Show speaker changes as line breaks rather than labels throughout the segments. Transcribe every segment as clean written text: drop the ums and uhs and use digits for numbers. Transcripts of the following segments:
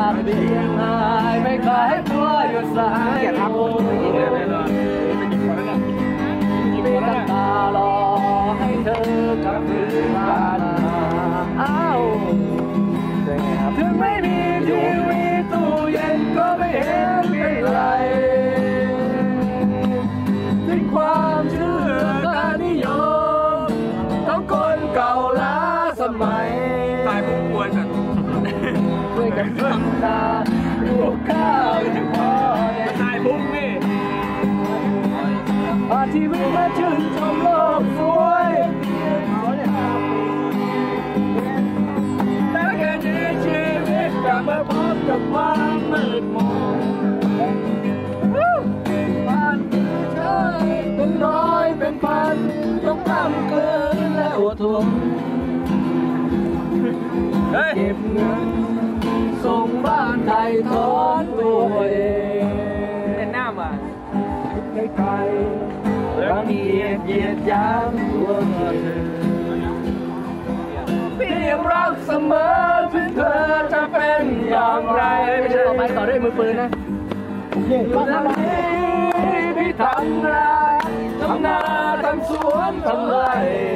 ากเพียงหายไม่ขายตัวอยู่สายโอ้มีกันตารอให้เธอกลับคืนมาอ้าวถึงไม่มีทีวีตู้เย็นก็ไม่เห็นเป็นไรทิ้งความเชื่อการนิยมต้องคนเก่าล้าสมัย
ตายผู้ป่วยสัตว์
ช่วยกันทำตาลูกข้าวถึงพอ
ตายพุ่งนี่
อาชีวิตมาชื่นชมโลกสวยแต่แค่นี้ชีวิตกลับมาพบกับความมืดมนบ้านคือเธอเป็นร้อยเป็นพันต้องทำเกินและอดทนเก็บเงินส่งบ้านไทยถอนตัวเอง
เป็นหน้ามา
ไกลๆรังเกียจเหยียดหยามตัวเธอพี่ยังรักเสมอถึงเธอจะเป็นอย่างไรไม่ใช่ไปต่อด้วยมือปืนนะอยู่ทางนี้พี่ทำนาทำนาทำสวนทำไร่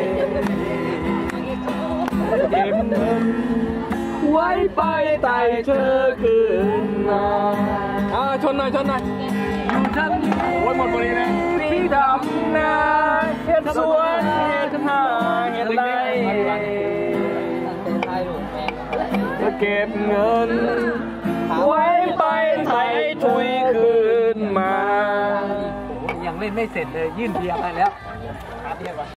เก็บเงินไว้ไปไต่เธอคืนมา
ชนหน่อย
อยู่ทางนี้
โอ้ยหมดพอดีเลย
พี่ทำนาเฮ็ดสวนเฮ็ดนาเฮ็ดไรจะเก็บเงินไว้ไปไถ่ถุยคืนมายังเล่นไม่เสร็จเลยยื่นเบียร์ไปแล้ว